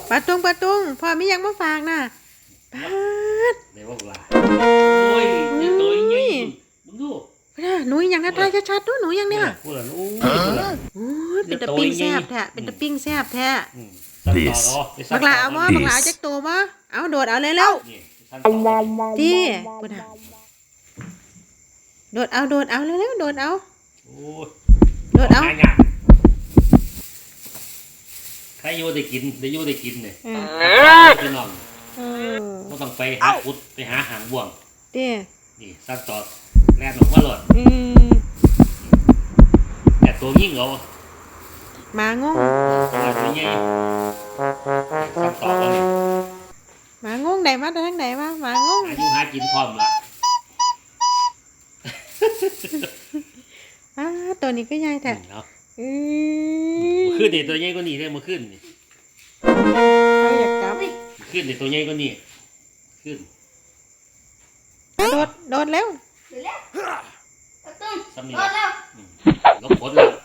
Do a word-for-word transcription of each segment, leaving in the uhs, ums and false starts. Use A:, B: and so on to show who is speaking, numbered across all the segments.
A: ปลาตุงปลาตุงพ่อมียังมาฝากน่ะปาด
B: เดี๋ยวว่าลาโอ้ยเดี๋ยวตัวใหญ่มึงดู
A: หนูยังนะทายชัดๆดูหนูยังเนี่ย
B: พูดแล้วโอ้ยพูดแล้ว
A: โอ้ยเป็นตะปิ้งแซ่บแท้เป็นตะปิ้งแซ่บแท้
B: This
A: บักหลาเอาบ่บักหลาจักตัวบ่เอาโดดเอาเลยแล้วที่ปุ่นน่ะโดดเอาโดดเอาเร็วๆโดดเอาโดดเอา
B: ใครอยู่ได้กินได้อยู่ได้กินเนี่ยพี่น้องไม่ต้องไปหาพุดไปหาหางบ่วงนี่สั้นต่อแล่นออกมาหลดแต่ตัวยิ่งเอา
A: มางง
B: ตัวใหญ่สั้นต่อกันเลย
A: มางงไหนมาทางไหนมามางง
B: อายุหากินพร้อมละ
A: อ้าตัวนี้ก็ใหญ่แท้
B: มาขึ้นนี่ตัวใหญ่ก็นี่ได้มาขึ้นนี่
A: เราอยากจับ
B: ขึ้นนี่ตัวใหญ่ก็นี่ขึ้น
A: โดดโดดเร็ว
B: ซ้ำนี่ลบผลแล้ว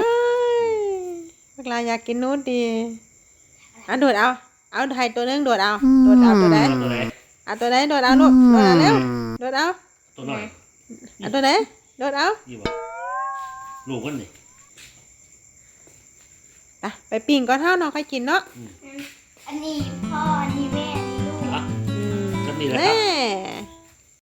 A: เวลาอยากกินนู้นดีอ่ะโดดเอาเอาไทยตัวนึงโดดเอาโดดเอาตัวไหนเอาตัวไหนโดดเอาลูกโดดเอาเร็วโดดเอา
B: ตัวหน่อย
A: เอาตัวไหนโดดเอา
B: ลูกคนนี่
A: ไปปิ้งก่อนเท่าน้องค่อยกินเนาะ
C: อันนี้พ่ออันนี้แม่อันนี้ลูก
B: ก็นี่แหละค
A: รั
B: บ